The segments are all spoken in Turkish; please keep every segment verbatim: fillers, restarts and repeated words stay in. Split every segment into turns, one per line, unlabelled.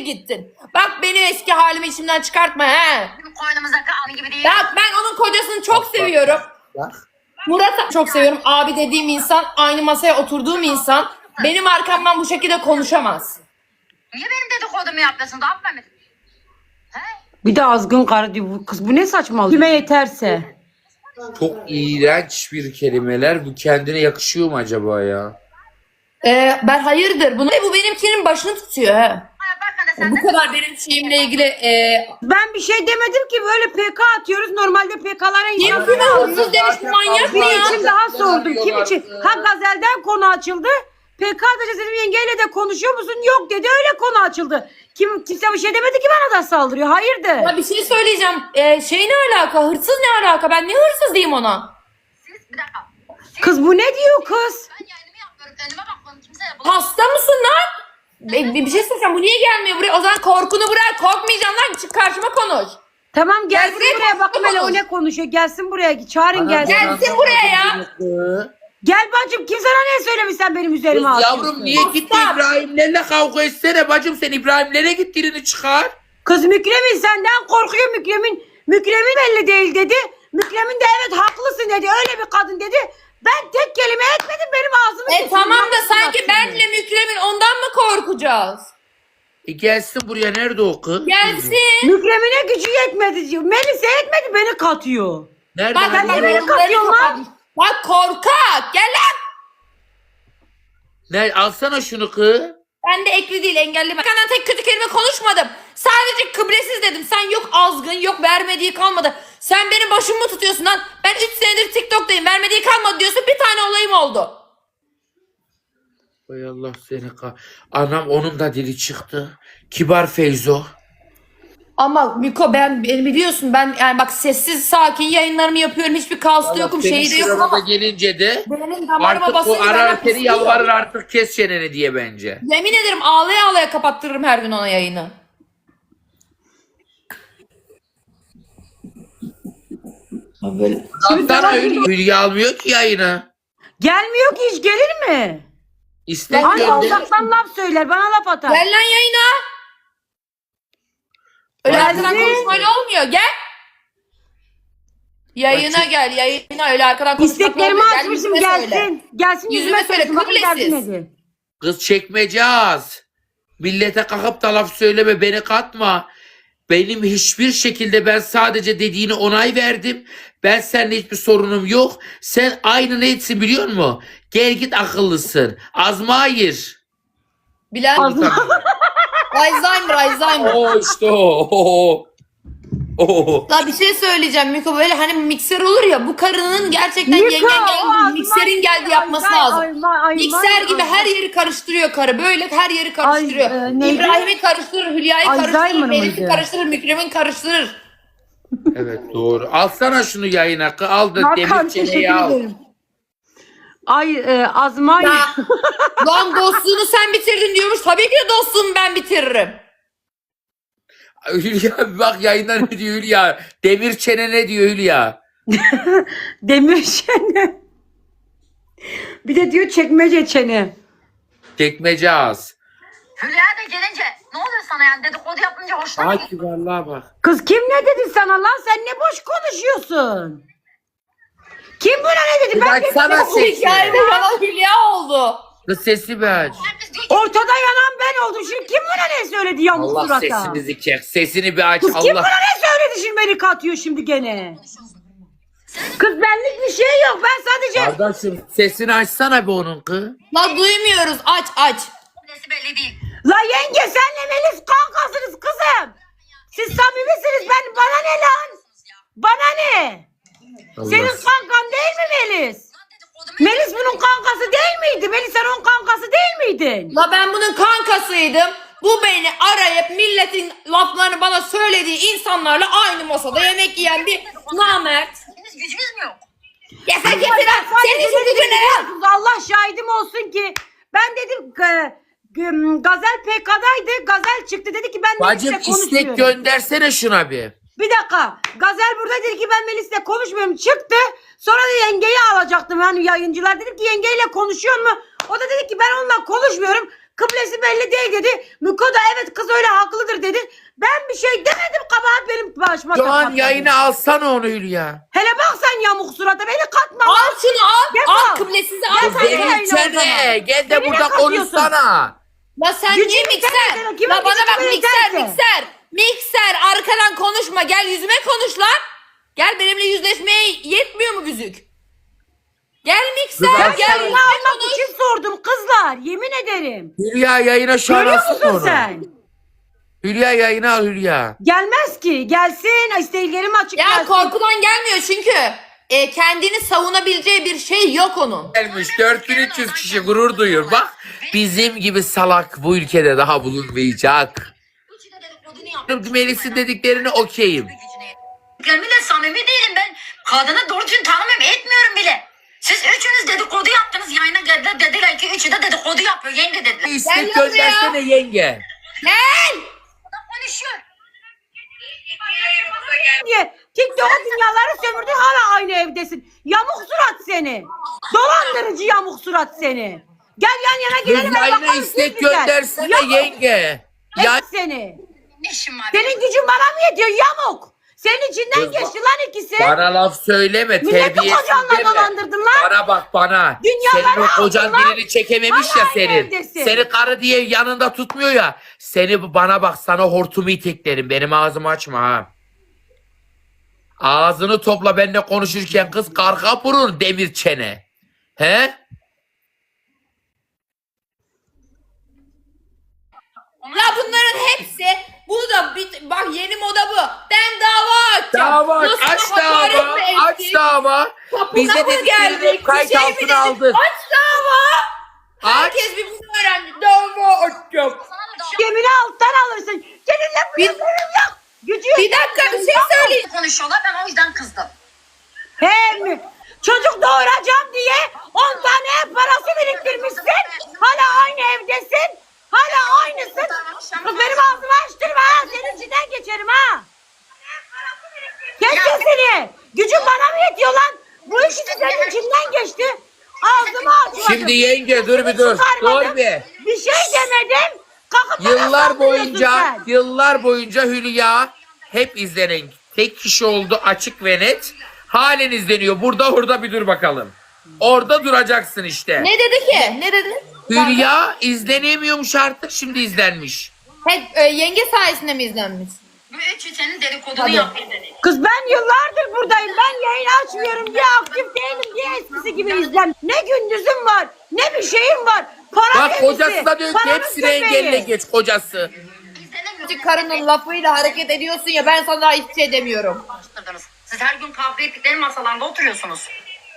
gittin. Bak beni eski halimi içimden çıkartma he.
Bizim koynumuza kaldı gibi değil.
Bak ben onun kocasını çok seviyorum. Murat'ı çok seviyorum. Abi dediğim insan, aynı masaya oturduğum insan benim arkamdan bu şekilde konuşamaz.
Niye benim dedikodumu yapıyorsun? Daha mı He?
Bir de azgın karı diyor. Bu kız bu ne saçmalık? Kime yeterse.
Çok iğrenç bir kelimeler. Bu kendine yakışıyor mu acaba ya?
Ee, ben hayırdır bunu bu benimkinin başını tutuyor he.
Ha, bak hadi sen
Bu
de.
kadar benim şeyimle ilgili e,
Ben bir şey demedim ki, böyle P K atıyoruz. Normalde P K'lara
kim
insan.
kime hırsız demiş bu manyak mı
Bir
ya?
için daha sordum. Kim için? Ha, Gazel'den konu açıldı. P K atacağız dedim, yengeyle de konuşuyor musun? Yok dedi, öyle konu açıldı. Kim kimse bir şey demedi ki bana da saldırıyor. Hayırdır?
Ya bir şey söyleyeceğim. Ee, şey ne alaka? Hırsız ne alaka? Ben ne hırsız diyeyim ona?
Siz bir dakika. Siz,
Kız bu ne diyor kız?
ben yayınımı yapmıyorum. Önüme bakmadım. Kimseye bulamam.
Hasta mısın lan? Bir, bir, bir şey söyleyeceğim. Bu niye gelmiyor buraya? O zaman korkunu bırak. Korkmayacaksın lan. Çık karşıma konuş.
Tamam gelsin
Gel buraya,
buraya, bakın hele o
konuş.
ne konuşuyor. Gelsin buraya, çağırın gelsin.
Gelsin buraya ya.
Gel bacım, kim sana ne söylemiş sen benim
Kız
üzerime atıyorsun?
yavrum niye gitti
Stop.
İbrahimlerle kavga etsene bacım, sen İbrahimlere git dilini çıkar.
Kız Mükremin senden korkuyor. Mükremin Mükremin belli değil dedi. Mükremin de evet haklısın dedi. Öyle bir kadın dedi. Ben tek kelime etmedim, benim ağzımı
E
kesin.
tamam da
Yapsın
sanki
aslında.
benle Mükremin ondan mı korkacağız?
E gelsin buraya, nerede o kız?
Gelsin.
Mükremin'e gücü yetmedi diyor. Melis'e yetmedi, beni katıyor.
Nerede?
Bak
lan?
bak
beni
yorumları
katıyorsun lan?
kapat. Bak korkak. Gel lan.
Ne, alsana şunu kız.
Ben de ekli değil, engelli. Senden tek kötü kelime konuşmadım. Sadece kıblesiz dedim. Sen yok azgın, yok vermediği kalmadı. Sen benim başımı mı tutuyorsun lan? Ben üç senedir TikTok'tayım. Vermediği kalmadı diyorsun. Bir tane olayım oldu.
Hay Allah seni kah. Anam, onun da dili çıktı. Kibar Feyzo.
Ama Miko ben beni biliyorsun, ben yani bak sessiz sakin yayınlarımı yapıyorum. Hiçbir kaosta
Allah
yokum,
senin
şeyi de yokum
şurana da
ama
gelince de
benim damarıma
artık
basınca
o arar
benden
seni,
pisliyor.
yalvarır artık kes çeneni diye bence.
Yemin ederim ağlaya ağlaya kapattırırım her gün ona yayını. Abi böyle.
Sana Hülya, Hülya almıyor ki yayını.
Gelmiyor ki, hiç gelir mi?
İstek
Hani
gönder.
Allah'tan laf söyler, bana laf atar.
Gel lan yayına. Öyle
Gelsin.
arkadan konuşmayla olmuyor. Gel. Yayına gel. Yayına öyle arkadan konuşmak
İsteklerimi
olmuyor. Gel,
açmışım,
yüzüme
gelsin.
söyle.
Gelsin
Yüzüme
yüzüme
söyle,
söylesin. Bakın
kıblesiz.
derdi nedir?
Kız çekmece az. Millete kalkıp da laf söyleme, beni katma. Benim hiçbir şekilde, ben sadece dediğini onay verdim. Ben seninle hiçbir sorunum yok. Sen aynı neysin biliyor musun? Gel git, akıllısın. Azmayır.
Bilen Alzheimer, Alzheimer.
O işte o. o. O.
La bir şey söyleyeceğim Miko, böyle hani mikser olur ya, bu karının gerçekten
Miko,
yengen
o
geldi,
Azman-
mikserin geldi yapması
Ay,
lazım.
ay, ay, ay,
Mikser
ay,
gibi
ay.
her yeri karıştırıyor karı, böyle her yeri karıştırıyor.
Ay, e, neydi?
İbrahim'i karıştırır, Hülya'yı
Alzheimer
karıştırır, Melis'i
mıydı?
karıştırır, Mükremin karıştırır.
Evet doğru. Alsana şunu yayına. kız. Al da
Hakan,
demir
teşekkür
çeneyi al.
ederim. Ay e, Azmay.
Ya, lan dostluğunu sen bitirdin diyormuş, tabii ki de dostluğumu ben bitiririm.
Hülya bak yayında ne diyor Hülya? Demir çene ne diyor Hülya?
Demir çene. Bir de diyor çekmece çene.
Çekmece az.
Hülya da gelince ne oluyor sana yani? Dedikodu yapınca hoşuna mı
Ay
gidiyor?
kibarlığa bak.
Kız kim ne dedi sana lan? Sen ne boş konuşuyorsun? Kim buna ne dedi? Ben
Bak
dedim,
sana
Bu
sesi.
hikayede yalan Hülya oldu.
Kız sesi bir aç.
Herkes diyor ki
ortada yanan ben oldum. Şimdi kim buna ne söyledi yamuk
Allah
surata?
sesinizi kes. Sesini bir aç.
Kız kim
Allah.
buna ne söyledi şimdi, beni katıyor şimdi gene. Kız benlik bir şey yok. Ben sadece...
Kardeşim sesini açsana be onun kız.
La duymuyoruz, aç aç.
nesi belli değil.
La yenge senle Melis kankasınız kızım. Siz samimisiniz, ben bana ne lan? Bana ne?
Allah.
Senin kankan değil mi Melis?
Lan dedikodumu
Melis bunun kankası değil miydi? Melis sen onun kankası değil miydin?
La ben bunun kankasıydım. Bu beni arayıp milletin laflarını bana söylediği insanlarla aynı masada yemek yiyen bir namert.
Henüz gücünüz mü yok?
Ya sen kimsin lan? Senin şu gücün ne lan?
Allah şahidim olsun ki ben dedim e, g- Gazel P K'daydı. Gazel çıktı dedi ki ben
Bacım
Melis'le konuşmuyorum.
istek göndersene şuna bir.
Bir dakika. Gazel burada dedi ki ben Melis'le konuşmuyorum. Çıktı. Sonra da yengeyi alacaktım. Yani yayıncılar dedim ki yengeyle konuşuyor mu? O da dedi ki ben onunla konuşmuyorum. Kıblesi belli değil dedi. Miko da evet kız öyle haklıdır dedi. Ben bir şey demedim, kabahat benim başıma.
Şu an
patladı.
yayına alsana onu Hülya.
Hele bak sen yamuk surata beni katma.
Al şunu al.
Defol.
Al kıblesizi al.
Defol.
sen.
Defol.
Demir Çene gel de
Beni ne
burada
katıyorsun?
konuşsana.
La sen
Gücünü
niye
sen
mikser?
yeter, kimin
La bana
gücü
bak
kimin
mikser
yeterse.
mikser. Mikser arkadan konuşma. Gel yüzüme konuş lan. Gel benimle yüzleşmeye yetmiyor mu güzük? Gel mikser
Kız,
gel
sen-
yüzüme
almak
konuş.
için sordum kızlar. Yemin ederim.
Hülya yayına şu an
Görüyor
alsana
musun
onu.
sen?
Hülya yayına al Hülya.
Gelmez ki. Gelsin. İsteklerimi açık
Ya
gelsin.
korkudan gelmiyor çünkü. E, kendini savunabileceği bir şey yok onun.
Gelmiş dört bin üç yüz kişi gurur duyuyor. Bak bizim gibi salak bu ülkede daha bulunmayacak. Melis'in dediklerini okeyim.
Ben bile samimi değilim ben. Kadını doğru düzgün tanımıyorum, etmiyorum bile. Siz üçünüz dedikodu yaptınız. Yayına geldiler, dediler ki üçü de dedikodu yapıyor. Yenge dediler.
İstek
Gel
göndersene yenge.
Gel.
Konuşuyor.
diye TikTok'a dünyaları sömürdün, hala aynı evdesin. Yamuk surat seni. Dolandırıcı yamuk surat seni. Gel yan yana gidelim.
Kız
ben
yayına
bakalım
istek
kim güzel.
göndersene
Yamuk
yenge. Ya
et seni.
Ne işim var?
Senin gücün bana mı yetiyor yamuk? Senin içinden
Kız
geçti lan ikisi.
bana laf söyleme,
Milleti
terbiyesiz
kocanla
deme.
dolandırdın lan.
Bana bak bana.
Dünyaları
Senin o kocan
aldın lan.
birini çekememiş
Hala
ya
aynı
senin.
evdesin.
Seni karı diye yanında tutmuyor ya. Seni bana bak, sana hortumu iteklerim. Benim ağzımı açma ha. Ağzını topla benimle konuşurken kız, karga vurur demir çene. He?
La bunların hepsi bu da bir, bak yeni moda bu. Ben dava açacağım.
Dava aç,
Nasıl
aç
hakaret
dava,
mi
aç
ettik?
dava.
Kapına
Biz de
mı
dediklerini
geldik?
kayıt
Bir şey mi
altına
dedik?
aldık.
Aç dava.
Aç.
Herkes bir bunu öğrendi. Dava açacağım.
Gemini alttan alırsın. Seninle bir
Bir-
sınırım yok. Gücü
Bir dakika bir şey söyleyeyim.
Konuşuyorlar, ben o yüzden kızdım.
He mi? Çocuk doğuracağım diye on tane ev parası biriktirmişsin. Hala aynı evdesin. Hala aynısın. Kız benim ağzımı açtırma ha. Senin içinden geçerim ha. Kes sesini. Gücün bana mı yetiyor lan? Bu ikisi senin içinden geçti. Ağzımı açmadım.
Şimdi yenge dur bir dur.
Çıkarmadım.
Dur bir.
Bir şey demedim. Kalkıp bana
Yıllar
saldırıyorsun
boyunca
sen.
yıllar boyunca Hülya hep izlenen tek kişi oldu, açık ve net. Halen izleniyor. Burada orada bir dur bakalım. Orada duracaksın işte.
Ne dedi ki? Ne dedi?
Hülya izlenemiyormuş artık, şimdi izlenmiş.
Hep e, yenge sayesinde mi izlenmiş?
Bu üçü senin dedikodunu
Hadi.
yapıyor dedi.
Kız ben yıllardır buradayım. Ben yayın açmıyorum diye, aktif değilim diye eskisi gibi izlem. Ne gündüzüm var, ne bir şeyim var. Para
Bak
kedisi,
kocası da diyor ki
paranın
hepsini
köpeği.
engelle geç kocası.
Küçük karının lafıyla hareket ediyorsun ya, ben sana hiçbir şey demiyorum.
Siz her gün kavga ettikleri masalarında oturuyorsunuz.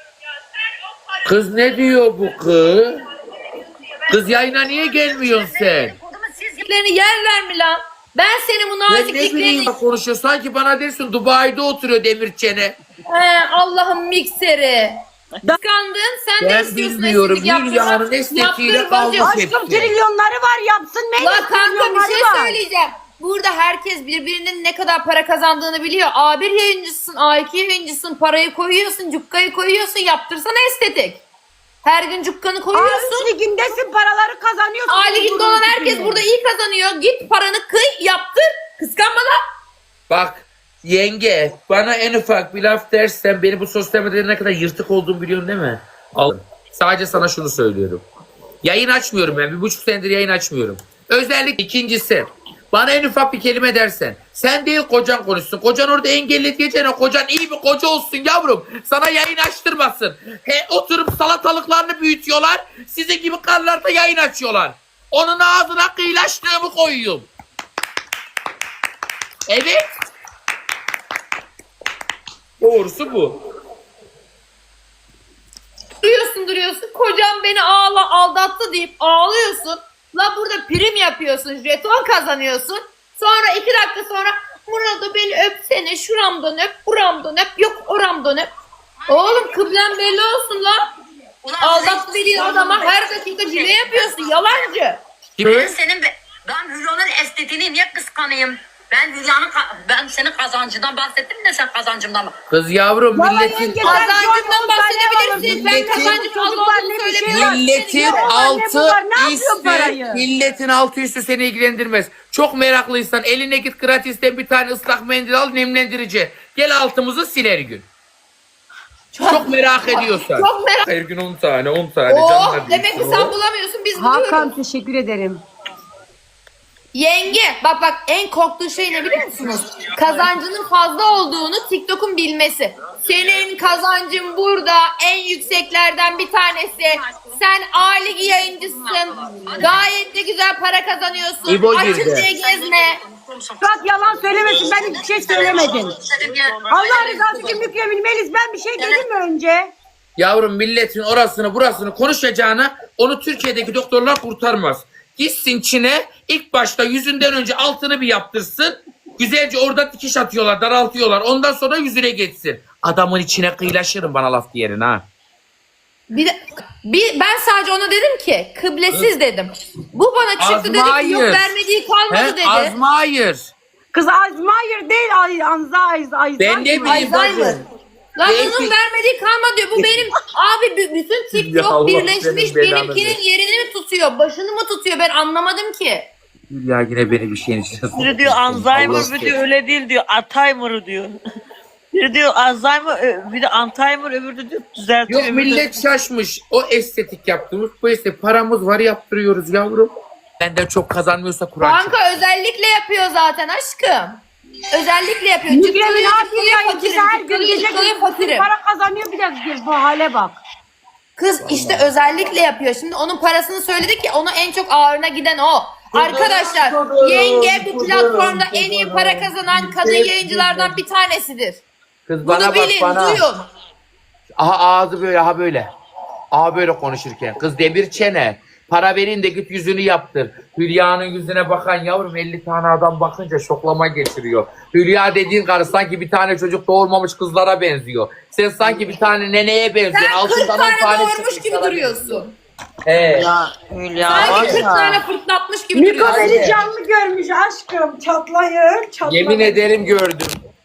Kız ne diyor bu kız? Kız yayına niye gelmiyorsun sen?
Dedikodumu siz
Dediklerini yerler mi lan? Ben senin bu
Ben ne bileyim
nazikliklerini...
bak konuşuyor. Sanki bana dersin Dubai'de oturuyor demir çene.
He, Allah'ın mikseri. Kıskandın, sen de
Ben
istiyorsun
bilmiyorum.
esneklik yaptırmak.
Hülya'nın esnekliğiyle
Yaptır
kavga
bacım.
ettim.
Aşkım trilyonları var, yapsın. Meyve
La kanka bir
trilyonları
şey
var.
söyleyeceğim. Burada herkes birbirinin ne kadar para kazandığını biliyor. A bir yayıncısın, A iki yayıncısın, parayı koyuyorsun, cukkayı koyuyorsun, yaptırsana estetik. Her gün cukkanı
A
koyuyorsun.
üç ligindesin, paraları kazanıyorsun.
A liginde olan herkes burada iyi kazanıyor. Git paranı kıy, yaptır. Kıskanma lan.
Bak yenge, bana en ufak bir laf dersen beni bu sosyal medyada ne kadar yırtık olduğumu biliyorsun değil mi? Al. Sadece sana şunu söylüyorum. Yayın açmıyorum ben. Bir buçuk senedir yayın açmıyorum. Özellikle ikincisi. Bana en ufak bir kelime dersen. Sen değil kocan konuşsun. Kocan orada engelli diyeceğine kocan iyi bir koca olsun yavrum. Sana yayın açtırmasın. He, oturup salatalıklarını büyütüyorlar. Sizin gibi karılar da yayın açıyorlar. Onun ağzına kıyılaştığımı koyuyorum. Evet. Doğrusu bu.
Duruyorsun duruyorsun. Kocam beni ağla aldattı deyip ağlıyorsun. La burada prim yapıyorsun. Jeton kazanıyorsun. Sonra iki dakika sonra Murat'ı beni öpsene. Şuramdan öp, buramdan öp. Yok oramdan öp. Oğlum kıblen belli olsun la.
Ulan
Aldattı dediğin adama her dakika cile yapıyorsun. Yalancı.
Ben senin be... Ben Hülya'nın estetiğini niye kıskanayım? Ben Hülya'nın ka- ben senin kazancından bahsettim de sen kazancımdan mı?
Kız yavrum
Vallahi
milletin
yenge, sen şu an
Kazancından
on tane
bahsedebilirsin. Ben
Milletin-
kazancın az
Çocuklar
olduğunu
ne bir şey
söylemiyorum.
milletin
Ne var, ne
altı
var, ne yapıyor
üstü
parayı?
milletin altı üstü seni ilgilendirmez. Çok meraklıysan eline git gratisten bir tane ıslak mendil al nemlendirici. Gel altımızı sil her gün. Çok, merak ediyorsan.
Çok merak.
Her gün on tane on tane
Oh,
canlar
demek ki
diyorsun.
sen bulamıyorsun, biz buluyoruz.
Hakan teşekkür ederim.
Yenge bak bak, en korktuğu şey ne biliyor musunuz? Kazancının fazla olduğunu TikTok'un bilmesi. Senin kazancın burada en yükseklerden bir tanesi. Sen A ligi yayıncısın. Gayet de güzel para kazanıyorsun.
İbo
Açık
girdi.
diye gezme.
Fırat yalan söylemesin, ben hiçbir şey söylemedim. Allah rızası için Mükremin Melis, ben bir şey dedim mi önce?
Yavrum milletin orasını burasını konuşacağına onu Türkiye'deki doktorlar kurtarmaz. Gitsin Çin'e ilk başta yüzünden önce altını bir yaptırsın. Güzelce orada dikiş atıyorlar, daraltıyorlar. Ondan sonra yüzüne geçsin. Adamın içine kıyılaşırım bana laf diyerin ha.
Bir, de- bir, ben sadece ona dedim ki kıblesiz dedim. Bu bana çıktı dedi ki yok
Azmayır.
vermediği kalmadı
He?
dedi.
Azmayır.
Kız Alzheimer değil, Ay- Alzheimer. Alzheimer.
Ben ne bileyim
Alzheimer.
bacım.
Lan
Belki-
onun vermediği kalmadı diyor. Bu benim abi b- bütün
Ya
TikTok
Allah
birleşmiş
senin belanı
benimkinin
versin.
yerini mi tutuyor? Başını mı tutuyor? Ben anlamadım ki.
Ya yine beni bir şeyin içine
Biri diyor Alzheimer, biri diyor öyle değil diyor. Alzheimer diyor. Biri diyor Alzheimer, ö- bir de Alzheimer, öbürü de diyor düzeltiyor.
Yok
öbürü de-
millet şaşmış. O estetik yaptığımız bu estetik. Paramız var yaptırıyoruz yavrum. Benden çok kazanmıyorsa Kur'an çarpsın.
Kanka özellikle yapıyor zaten aşkım. Özellikle yapıyor.
Mükremin
Cıkkılıyor,
abi
cıkkılıyor,
yayıncısı
fakirim,
her gün
cıkkılıyor,
gece
cıkkılıyor, fakirim.
para kazanıyor, bir de bu hale bak.
Kız işte özellikle yapıyor. Şimdi onun parasını söyledi ki ona en çok ağırına giden o. Arkadaşlar yenge bu platformda en iyi para kazanan kadın yayıncılardan bir tanesidir.
Kız
Bunu
bana bak
bilin,
bana.
duyun.
Aha ağzı böyle aha böyle. Aha böyle konuşurken. Kız demir çene. Para verin de git yüzünü yaptır. Hülya'nın yüzüne bakan yavrum elli tane adam bakınca şoklama geçiriyor. Hülya dediğin karı sanki bir tane çocuk doğurmamış kızlara benziyor. Sen sanki bir tane neneye benziyorsun.
Sen kırk
Altından on
tane doğurmuş
çıkmış
gibi
sana
duruyorsun.
He.
Ya Hülya var
Sanki kırk
ya.
tane fırtlatmış gibi
Miko
duruyorsun.
beni canlı görmüş aşkım. Çatlayır, çatlayır.
Yemin ederim gördüm.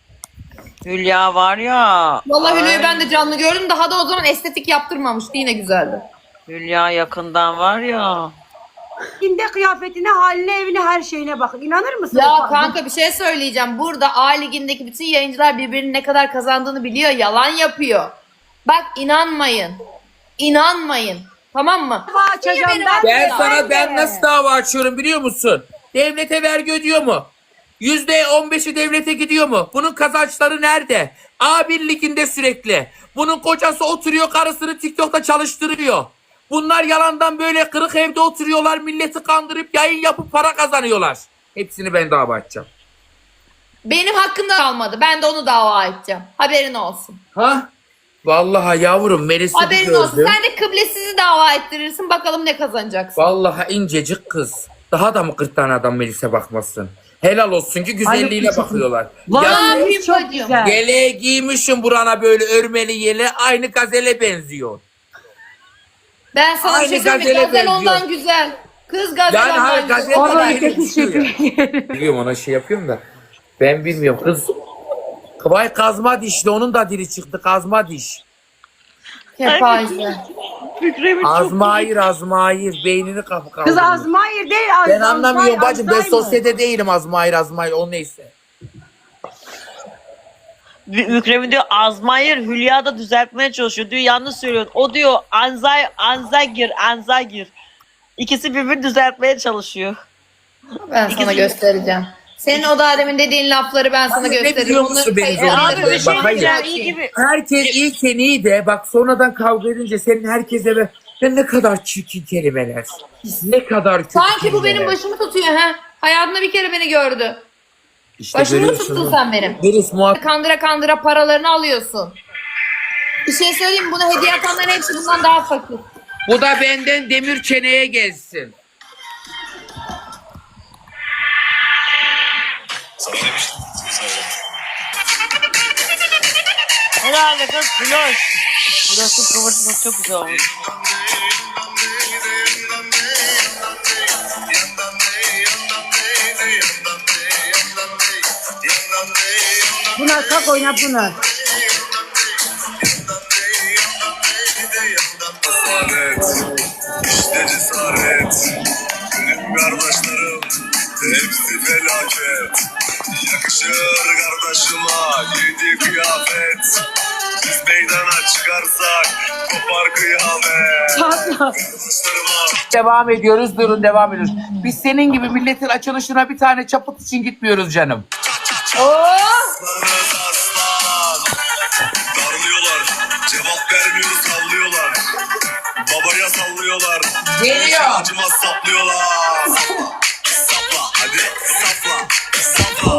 Hülya var ya.
Vallahi Hülya'yı
Ay,
ben de canlı gördüm. Daha da o zaman estetik yaptırmamıştı. Yine güzeldi.
Hülya yakından var ya.
Ginde kıyafetine, haline, evine, her şeyine bak. İnanır mısın?
Ya
Bak-
kanka bir şey söyleyeceğim. Burada A ligindeki bütün yayıncılar birbirinin ne kadar kazandığını biliyor. Yalan yapıyor. Bak inanmayın. İnanmayın. Tamam mı?
Dava açacağım
Niye benim
ben.
Ben
Ya,
sana
Ben
ben
de.
nasıl dava açıyorum biliyor musun? Devlete vergi ödüyor mu? Yüzde on beşi devlete gidiyor mu? Bunun kazançları nerede? A bir liginde sürekli. Bunun kocası oturuyor karısını TikTok'ta çalıştırıyor. Bunlar yalandan böyle kırık evde oturuyorlar. Milleti kandırıp yayın yapıp para kazanıyorlar. Hepsini ben dava açacağım.
Benim hakkımda kalmadı. Ben de onu dava edeceğim. Haberin olsun.
Ha? Vallahi yavrum Melis'i
Haberin olsun.
gördüm.
Sen de kıblesizi dava ettirirsin. Bakalım ne kazanacaksın.
Vallahi incecik kız. Daha da mı kırk tane adam Melis'e bakmasın? Helal olsun ki güzelliğine
Ay,
bakıyorlar.
Vay,
Ya
Melis çok
bacım.
güzel.
yeleğe giymişim burana böyle örmeli yele aynı gazele benziyor.
Ben sana
Aynı
bir şey söyleyeyim. mi?
gazele
Gazel
benziyor.
ondan güzel. Kız gazel
Yani
ondan
hayır
güzel.
gazele
Ona
bana
da
öyle
teşekkür
düşüyor ya. Biliyorum ona şey yapıyorum da. Ben bilmiyorum kız. Vay kazma dişli onun da dili çıktı kazma diş.
Kepaze.
Fikremin çok
Azmair azmair beynini kapı
Kız
kaldırıyor.
Azmair değil.
Ben anlamıyorum bacım ben
Alzheimer.
sosyete değilim azmair azmair o neyse.
Mükremin diyor Azmayır, Hülya da düzeltmeye çalışıyor. Diyor yanlış söylüyor. O diyor Anzay, Anzagir, Anzagir. İkisi birbirini düzeltmeye çalışıyor.
Ben sana göstereceğim. Senin o da demin dediğin lafları ben sana
Hayır, ne
gösteririm.
biliyor musun
Bunları
beni
kayıt-
zorla
Abi bir şey
Bak, hayır.
diyeceğim iyi gibi.
Herkes iyiken iyi de bak sonradan kavga edince senin herkese ve ben ne kadar çirkin kelimeler. Ne kadar kötü
Sanki bu benim
kelimeler.
başımı tutuyor ha. Hayatında bir kere beni gördü.
İşte
Başımı mı
görüyorsun.
tuttun sen benim?
Melis muhakkak.
Kandıra kandıra paralarını alıyorsun. Bir şey söyleyeyim mi? Buna hediye atanların hepsi bundan daha fakir.
Bu da benden demir çeneye gelsin.
Sana demiştim.
Herhalde kız Floş. Burası kıvırcık çok güzel olmuş.
Pınar kalk oyna Pınar.
Cesaret, işte cesaret. Benim kardeşlerim hepsi felaket. Yakışır kardeşime giydiği kıyafet. Biz meydana çıkarsak kopar kıyamet.
Patla.
Kardeşlerime
Devam ediyoruz. Durun devam ediyoruz. Biz senin gibi milletin açılışına bir tane çaput için gitmiyoruz canım.
aslanız aslan. Darlıyorlar, cevap vermiyoruz sallıyorlar. Babaya sallıyorlar.
Geliyor.
Acımaz saplıyorlar. Sapla hadi sapla. Sapla.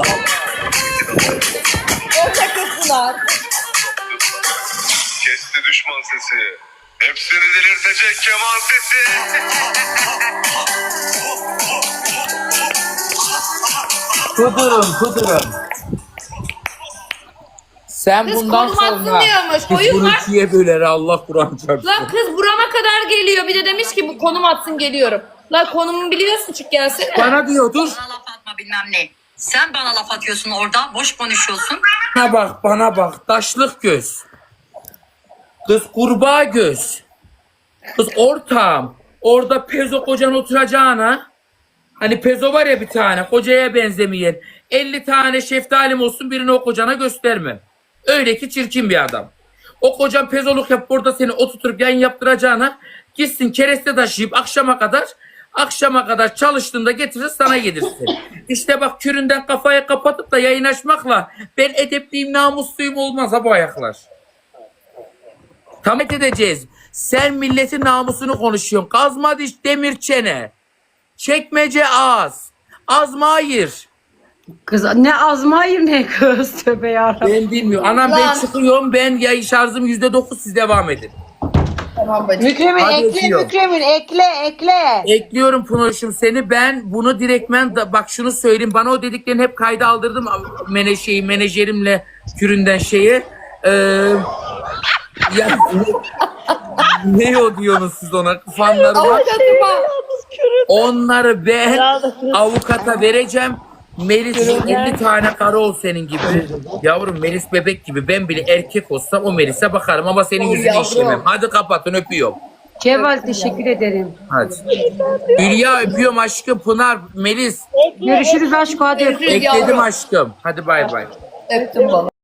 Kesti düşman sesi. Hepsini delirtecek keman sesi.
Kudurun kudurun. Sen
Kız
bundan
konum atsın
sonra
diyormuş.
biz
Oyun
bunu
var.
ikiye böler Allah Kur'an çarpsın.
Lan kız burama kadar geliyor. Bir de demiş ki bu konum atsın geliyorum. Lan konumu biliyorsun çık gelsene.
Bana diyor dur.
Bana laf atma bilmem ne. Sen bana laf atıyorsun orada. Boş konuşuyorsun.
Bana bak bana bak. Taşlık göz. Kız kurbağa göz. Kız ortağım. Orada pezo kocan oturacağına. Hani pezo var ya bir tane. Kocaya benzemeyen. elli tane şeftalim olsun birini o kocana göstermem. Öyle ki çirkin bir adam. O kocan pezoluk yap burada seni oturtup yayın yaptıracağına gitsin kereste taşıyıp akşama kadar akşama kadar çalıştığında getirir sana yedirsin. İşte bak küründen kafaya kapatıp da yayın açmakla ben edepliyim namusluyum olmaz ha bu ayaklar. Tam edeceğiz. Sen milletin namusunu konuşuyorsun. Kazma diş demir çene. Çekmece ağız. Azma hayır.
Kız ne azma hayır ne kız tövbe yarabbim.
Ben bilmiyorum. Anam ben
Lan.
çıkıyorum. Ben yayın şarjım yüzde dokuz siz devam edin.
Tamam bacım.
Mükremin
Hadi
ekle
öpüyorum.
Mükremin ekle ekle.
Ekliyorum Pınoş'um seni. Ben bunu direktmen da, bak şunu söyleyeyim. Bana o dediklerini hep kayda aldırdım. Mene şeyi, menajerimle küründen şeyi. Ee, ya, ne, ne o diyorsunuz siz ona? Fanlarıma.
Avukatıma.
Onları ben
Ya.
avukata vereceğim. Melis elli tane karı ol senin gibi. Yavrum Melis bebek gibi. Ben bile erkek olsam o Melis'e bakarım ama senin yüzünü
yavrum.
işlemem. Hadi kapatın öpüyorum.
Kemal teşekkür ederim.
Hadi. Hülya öpüyorum aşkım. Pınar, Melis
Görüşürüz aşk hadi.
Görüşürüz
ekledim
yavrum.
aşkım. Hadi bay bay.
Öptüm baba.